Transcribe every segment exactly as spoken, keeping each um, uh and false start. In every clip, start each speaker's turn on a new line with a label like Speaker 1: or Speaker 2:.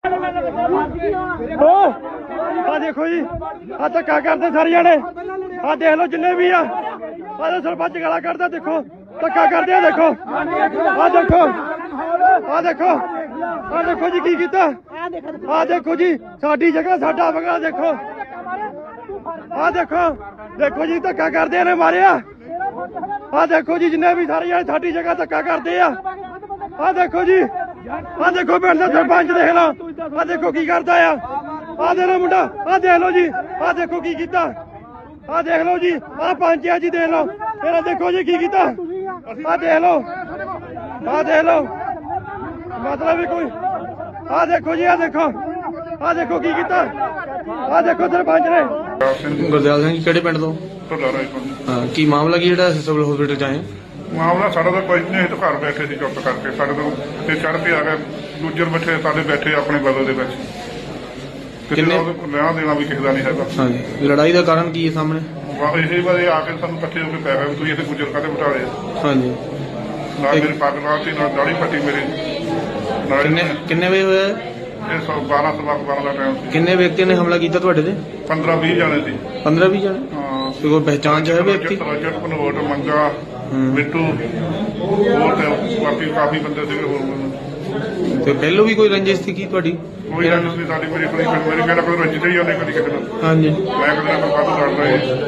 Speaker 1: ਆ ਦੇਖੋ ਜੀ, ਆ ਧੱਕਾ ਕਰਦੇ ਸਾਰੇ ਜਾਣੇ। ਆ ਦੇਖ ਲਓ ਜਿੰਨੇ ਵੀ ਆ, ਆ ਸਰਪੰਚ ਗਾਲਾਂ ਕੱਢਦਾ, ਦੇਖੋ ਧੱਕਾ ਕਰਦੇ ਆ। ਦੇਖੋ ਆ ਦੇਖੋ ਆ ਦੇਖੋ ਆ ਦੇਖੋ ਜੀ ਕੀ ਕੀਤਾ। ਆ ਦੇਖੋ ਜੀ ਸਾਡੀ ਜਗ੍ਹਾ ਸਾਡਾ ਬਗਲਾ। ਦੇਖੋ ਆ ਦੇਖੋ ਦੇਖੋ ਜੀ ਧੱਕਾ ਕਰਦੇ ਨੇ, ਮਾਰਿਆ। ਆ ਦੇਖੋ ਜੀ ਜਿੰਨੇ ਵੀ ਸਾਰੇ ਜਾਣੇ ਸਾਡੀ ਜਗ੍ਹਾ ਧੱਕਾ ਕਰਦੇ ਆ। ਆ ਦੇਖੋ ਜੀ, ਆ ਦੇਖੋ ਪਿੰਡ ਦਾ ਸਰਪੰਚ ਦੇਖ ਲਓ। ਆ ਦੇਖੋ ਕੀ ਕਰਦਾ ਆ। ਆ ਦੇਖ ਲਓ ਮੁੰਡਾ, ਆ ਦੇਖ ਲਓ ਜੀ, ਆ ਦੇਖੋ ਕੀ ਕੀਤਾ। ਆ ਦੇਖ ਲਓ ਜੀ, ਆ ਪੰਚ ਆ ਜੀ, ਦੇਖ ਲਓ। ਫਿਰ ਦੇਖੋ ਜੀ ਕੀ ਕੀਤਾ। ਆ ਦੇਖ ਲਓ, ਆ ਦੇਖ ਲਓ, ਮਤਲਬ ਵੀ ਕੋਈ। ਆ ਦੇਖੋ ਜੀ, ਆ ਦੇਖੋ, ਆ ਦੇਖੋ ਕੀ ਕੀਤਾ। ਆ ਦੇਖੋ ਸਰਪੰਚ ਨੇ।
Speaker 2: ਗੁਰਦਿਆਲ ਸਿੰਘ ਕਿਹੜੇ ਪਿੰਡ ਤੋਂ? ਹਾਂ, ਕੀ ਮਾਮਲਾ ਕੀ ਜਿਹੜਾ ਸਿਵਲ ਹਸਪੀਟਲ ਚ ਆਏ?
Speaker 3: ਮਾਮਲਾ ਸਾਡਾ ਤਾਂ ਕੋਈ ਨਹੀਂ, ਤਾਂ ਘਰ ਬੈਠੇ ਸੀ ਚੁੱਪ ਕਰਕੇ। ਸਾਡੇ ਤੋਂ ਤੇ ਚੜ੍ਹ ਕੇ ਆ ਗਏ ਦੂਜੇ ਬੈਠੇ, ਸਾਡੇ ਬੈਠੇ ਆਪਣੇ ਬਦਲ ਦੇ ਵਿੱਚ। ਕਿਸੇ ਦਾ ਲੈਣਾ ਦੇਣਾ ਵੀ ਕਿਸੇ ਦਾ ਨਹੀਂ ਹੈਗਾ।
Speaker 2: ਹਾਂਜੀ, ਲੜਾਈ ਦਾ ਕਾਰਨ ਕੀ ਹੈ ਸਾਹਮਣੇ?
Speaker 3: ਇਸੇ ਵਾਰੇ ਆ ਕੇ ਸਾਨੂੰ ਇਕੱਠੇ ਹੋ ਕੇ ਪੈ ਗਏ, ਤੁਸੀਂ ਇੱਥੇ ਗੁੱਜਰ ਕਾਹਦੇ ਬਿਠਾ ਰਹੇ?
Speaker 2: ਹਾਂਜੀ,
Speaker 3: ਨਾਲ ਮੇਰੀ ਪੱਗ ਨਾਲ ਸੀ, ਨਾਲ ਦਾੜੀ ਪੱਟੀ ਮੇਰੀ।
Speaker 2: ਕਿੰਨੇ ਕਿੰਨੇ ਵਜੇ ਹੋਇਆ
Speaker 3: ਇਹ ਸੌ ਬਾਰਾਂ ਸਵਾ ਬਾਰਾਂ ਦਾ ਟਾਈਮ ਸੀ।
Speaker 2: ਕਿੰਨੇ ਵਿਅਕਤੀਆਂ ਨੇ ਹਮਲਾ ਕੀਤਾ ਤੁਹਾਡੇ ਤੇ?
Speaker 3: ਪੰਦਰਾਂ ਵੀਹ ਜਾਣੇ ਸੀ।
Speaker 2: ਪੰਦਰਾਂ ਵੀਹ ਜਾਣੇ?
Speaker 3: ਹਾਂ।
Speaker 2: ਕੋਈ ਪਹਿਚਾਣ ਚ ਹੈ ਵਿਅਕਤੀ?
Speaker 3: ਰਜਤ ਭਨੋਟ, ਮੰਗਾ, ਮਿੱਟੂ, ਹੋਰ ਤੇ ਬਾਕੀ ਕਾਫੀ ਬੰਦੇ ਸੀਗੇ ਹੋਰ।
Speaker 2: ਤੇ ਪਹਿਲੋਂ ਵੀ ਕੋਈ ਰੰਜਿਸ਼ ਸੀ ਕੀ ਤੁਹਾਡੀ?
Speaker 3: ਕੋਈ ਰੰਜਿਸ਼ ਨਹੀਂ ਸਾਡੀ। ਮੇਰੀ ਕੋਈ ਮੇਰੀ ਕਹਿੰਦਾ ਕੋਈ ਰੰਜਿਸ਼ ਹੀ ਉਹਨੇ ਕਦੀ ਕਿਸੇ ਨੂੰ।
Speaker 2: ਹਾਂਜੀ,
Speaker 3: ਮੈਂ ਕਦੇ ਨਾ ਕੋਈ ਵਾਧੂ ਲੜਦਾ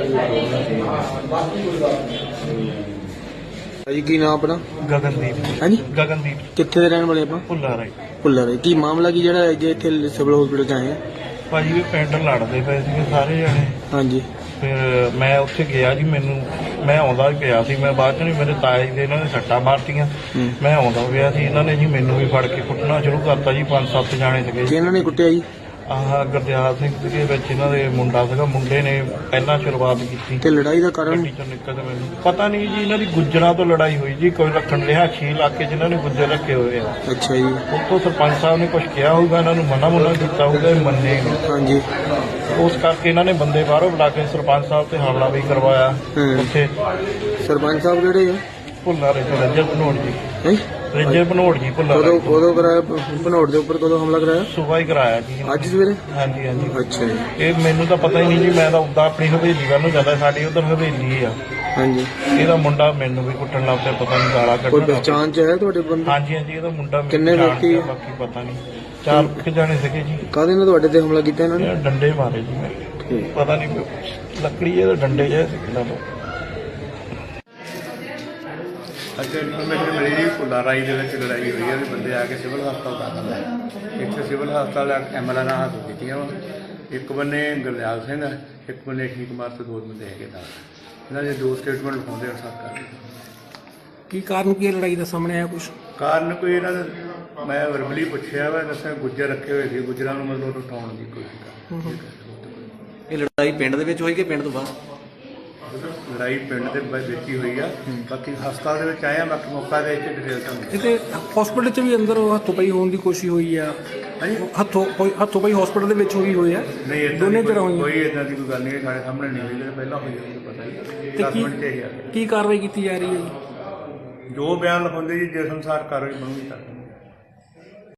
Speaker 2: ਭਾਜੀ ਕੀ ਨਾਮ ਆਪਣਾ?
Speaker 4: ਗਗਨਦੀਪ।
Speaker 2: ਹਾਂਜੀ,
Speaker 4: ਗਗਨਦੀਪ।
Speaker 2: ਕਿੱਥੇ ਦੇ ਰਹਿਣ ਵਾਲੇ ਆਪਾਂ?
Speaker 4: ਭੁੱਲਾ ਰਾਈ।
Speaker 2: ਭੁੱਲਾ ਰਾਈ। ਕੀ ਮਾਮਲਾ ਕੀ ਜਿਹੜਾ ਜੇ ਇੱਥੇ ਸਿਵਲ ਹਸਪੀਟਲ ਚ ਆਏ ਆ?
Speaker 4: ਭਾਜੀ ਵੀ ਪਿੰਡ ਲੜਦੇ ਪਏ ਸੀਗੇ ਸਾਰੇ ਜਣੇ।
Speaker 2: ਹਾਂਜੀ,
Speaker 4: ਫਿਰ ਮੈਂ ਉੱਥੇ ਗਿਆ ਜੀ, ਮੈਨੂੰ ਮੈਂ ਆਉਂਦਾ ਪਿਆ ਸੀ। ਮੈਂ ਬਾਅਦ ਚ ਨਹੀਂ, ਮੇਰੇ ਤਾਏ ਜੀ ਦੇ ਇਹਨਾਂ ਨੇ ਸੱਟਾਂ ਮਾਰਤੀਆਂ। ਮੈਂ ਆਉਂਦਾ ਪਿਆ ਸੀ, ਇਹਨਾਂ ਨੇ ਜੀ ਮੈਨੂੰ ਵੀ ਫੜ ਕੇ ਕੁੱਟਣਾ ਸ਼ੁਰੂ ਕਰਤਾ ਜੀ। ਪੰਜ ਸੱਤ ਜਾਣੇ ਸੀਗੇ ਜੀ।
Speaker 2: ਇਹਨਾਂ ਨੇ ਕੁੱਟਿਆ ਜੀ?
Speaker 4: ਆਹ ਗੁਰਦਿਆਲ ਸਿੰਘ ਦੇ ਵਿੱਚ ਇਹਨਾਂ ਦੇ ਮੁੰਡਾ ਸੀਗਾ, ਮੁੰਡੇ ਨੇ ਪਹਿਲਾਂ ਸ਼ੁਰੂਆਤ ਕੀਤੀ।
Speaker 2: ਤੇ ਲੜਾਈ ਦਾ ਕਾਰਨ?
Speaker 4: ਗੱਡੀ ਚੋਂ ਨਿਕਲ ਕੇ ਮੈਨੂੰ ਪਤਾ ਨਹੀਂ ਜੀ, ਇਹਨਾਂ ਦੀ ਗੁੱਜਰਾਂ ਤੋਂ ਲੜਾਈ ਹੋਈ ਜੀ। ਕੋਈ ਰੱਖਣ ਰਿਹਾ ਛੇ ਇਲਾਕੇ ਜਿਨ੍ਹਾਂ ਨੇ ਗੁੱਜਰ ਰੱਖੇ ਹੋਏ ਆ।
Speaker 2: ਅੱਛਾ ਜੀ।
Speaker 4: ਉੱਥੋਂ ਸਰਪੰਚ ਸਾਹਿਬ ਨੇ ਕੁਝ ਕਿਹਾ ਹੋਊਗਾ, ਇਹਨਾਂ ਨੂੰ ਮਨਾ ਮੁਨਾ ਕੀਤਾ ਹੋਊਗਾ, ਇਹ ਮੰਨੇ ਨਹੀਂ।
Speaker 2: ਹਾਂਜੀ,
Speaker 4: ਉਸ ਕਰਕੇ ਇਹਨਾਂ ਨੇ ਬੰਦੇ ਬਾਹਰੋਂ ਬੁਲਾ ਕੇ ਸਰਪੰਚ ਸਾਹਿਬ ਤੇ ਹਮਲਾ ਵੀ ਕਰਵਾਇਆ। ਉੱਥੇ
Speaker 2: ਸਰਪੰਚ ਸਾਹਿਬ ਕਿਹੜੇ ਆ?
Speaker 4: ਭੁੱਲਾ ਰਹੇ ਰਜਤ ਭਨੋਟ ਜੀ।
Speaker 2: ਹੈ
Speaker 4: ਰਜਤ ਭਨੋਟ ਜੀ ਭੁੱਲਾ
Speaker 2: ਕਦੋਂ ਕਦੋਂ ਕਰਾਇਆ? ਭਨੋਟ ਦੇ ਉੱਪਰ ਕਦੋਂ ਹਮਲਾ ਕਰਾਇਆ?
Speaker 4: ਸੁਬਾਹ ਹੀ ਕਰਾਇਆ ਜੀ।
Speaker 2: ਅੱਜ ਸਵੇਰੇ?
Speaker 4: ਹਾਂਜੀ ਹਾਂਜੀ।
Speaker 2: ਅੱਛਾ ਜੀ।
Speaker 4: ਇਹ ਮੈਨੂੰ ਤਾਂ ਪਤਾ ਹੀ ਨਹੀਂ ਜੀ, ਮੈਂ ਤਾਂ ਉੱਦਾਂ ਆਪਣੀ ਹਵੇਲੀ ਵੱਲ ਨੂੰ ਜਾਂਦਾ, ਸਾਡੀ ਉਧਰ ਹਵੇਲੀ ਆ।
Speaker 2: ਹਾਂਜੀ,
Speaker 4: ਇਹਦਾ ਮੁੰਡਾ ਮੈਨੂੰ ਵੀ ਕੁੱਟਣ ਲੱਗ ਪਿਆ, ਪਤਾ ਨਹੀਂ ਗਾਲਾਂ
Speaker 2: ਕੋਈ
Speaker 4: ਕੱਢਣ।
Speaker 2: ਪਹਿਚਾਣ ਚ ਹੈ ਤੁਹਾਡੇ ਬੰਦੇ?
Speaker 4: ਹਾਂਜੀ ਹਾਂਜੀ, ਇਹਦਾ ਮੁੰਡਾ
Speaker 2: ਕਿੰਨੇ ਵਿਅਕਤੀ?
Speaker 4: ਬਾਕੀ ਪਤਾ ਨਹੀਂ, ਚਾਰ ਕੁ ਜਾਣੇ ਸੀਗੇ ਜੀ।
Speaker 2: ਕਾਹਦੇ ਨਾਲ ਤੁਹਾਡੇ ਤੇ ਹਮਲਾ ਕੀਤਾ ਇਹਨਾਂ ਨੇ?
Speaker 4: ਇਹ ਡੰਡੇ ਮਾਰੇ ਜੀ ਮੈਂ,
Speaker 2: ਠੀਕ।
Speaker 4: ਪਤਾ ਨਹੀਂ ਲੱਕੜੀ ਇਹਦੇ ਡੰਡੇ ਜਿਹੇ ਸੀ ਕਿਹਨਾਂ ਤੋਂ।
Speaker 5: ਅੱਜ ਇਨਫੋਰਮੇਸ਼ਨ ਮਿਲੀ ਜੀ ਭੁੱਲਾ ਰਾਈ ਦੇ ਵਿੱਚ ਲੜਾਈ ਹੋਈ ਹੈ ਵੀ ਬੰਦੇ ਆ ਕੇ ਸਿਵਲ ਹਸਪਤਾਲ ਦਾਖਲ ਹੈ। ਇੱਥੇ ਸਿਵਲ ਹਸਪਤਾਲ ਐਮਐਲਏ ਨਾਲ ਹੱਥ ਕੀਤੀਆਂ ਵਾ। ਇੱਕ ਬੰਨੇ ਗੁਰਦਿਆਲ ਸਿੰਘ ਹੈ, ਇੱਕ ਬੰਨੇ ਠੀਕ ਕੁਮਾਰ ਤੇ ਦੋ ਬੰਦੇ ਹੈਗੇ ਨਾਲ। ਇਹਨਾਂ ਦੇ ਦੋ ਸਟੇਟਮੈਂਟ ਲਿਖਾਉਂਦੇ ਅਨਸਾਰ ਕਰ।
Speaker 2: ਕੀ ਕਾਰਨ ਕੀ ਲੜਾਈ ਦਾ ਸਾਹਮਣੇ ਆਇਆ ਕੁਝ?
Speaker 5: ਕਾਰਨ ਕੋਈ ਇਹਨਾਂ ਦਾ ਮੈਂ ਵਰਬਲੀ ਪੁੱਛਿਆ ਵਾ, ਦੱਸਿਆ ਗੁੱਜਰ ਰੱਖੇ ਹੋਏ ਸੀ, ਗੁੱਜਰਾਂ ਨੂੰ ਮਤਲਬ ਉਠਾਉਣ ਦੀ ਕੋਸ਼ਿਸ਼ ਕਰ।
Speaker 6: ਇਹ ਲੜਾਈ ਪਿੰਡ ਦੇ ਵਿੱਚ ਹੋਈ ਕਿ ਪਿੰਡ ਤੋਂ ਬਾਹਰ?
Speaker 5: ਲੜਾਈ ਪਿੰਡ ਦੇ ਵਿੱਚ ਹੀ ਹੋਈ ਆ। ਬਾਕੀ ਹਸਪਤਾਲ ਦੇ ਵਿੱਚ ਆਏ ਆ, ਬਾਕੀ ਮੌਕਾ ਦੇ ਕੇ ਡਿਟੇਲ ਤੁਹਾਨੂੰ।
Speaker 7: ਇਹਦੇ ਹਸਪੀਟਲ 'ਚ ਵੀ ਅੰਦਰ ਹੱਥੋਂ ਪਾਈ ਹੋਣ ਦੀ ਕੋਸ਼ਿਸ਼ ਹੋਈ ਆ। ਹੱਥੋਂ ਹੱਥੋਂ ਪਾਈ ਹਸਪੀਟਲ ਦੇ ਵਿੱਚ ਹੋਈ ਹੋਈ ਆ।
Speaker 5: ਨਹੀਂ ਏਦਾਂ
Speaker 7: ਦੋਨੇ
Speaker 5: ਦੀ
Speaker 7: ਤਰ੍ਹਾਂ
Speaker 5: ਕੋਈ
Speaker 7: ਹੋਈਆਂ।
Speaker 5: ਕੋਈ ਏਦਾਂ ਦੀ ਕੋਈ ਗੱਲ ਨਹੀਂ ਹੈ, ਸਾਡੇ ਸਾਹਮਣੇ ਨਹੀਂ ਹੋਈ, ਜਿਹੜੇ ਪਹਿਲਾਂ ਹੋਈ ਹੋਈ ਪਤਾ ਨਹੀਂ।
Speaker 7: ਤੇ
Speaker 5: ਦਸ
Speaker 7: ਕੀ
Speaker 5: ਮਿੰਟ ਤੇ ਹੀ ਆ ਗਏ।
Speaker 7: ਕੀ ਕਾਰਵਾਈ ਕੀਤੀ ਜਾ ਰਹੀ ਹੈ ਜੀ?
Speaker 5: ਜੋ ਬਿਆਨ ਲਿਖਾਉਂਦੇ ਜੀ ਜਿਸ ਅਨੁਸਾਰ ਕਾਰਵਾਈ ਬਣੂਗੀ ਤਾਂ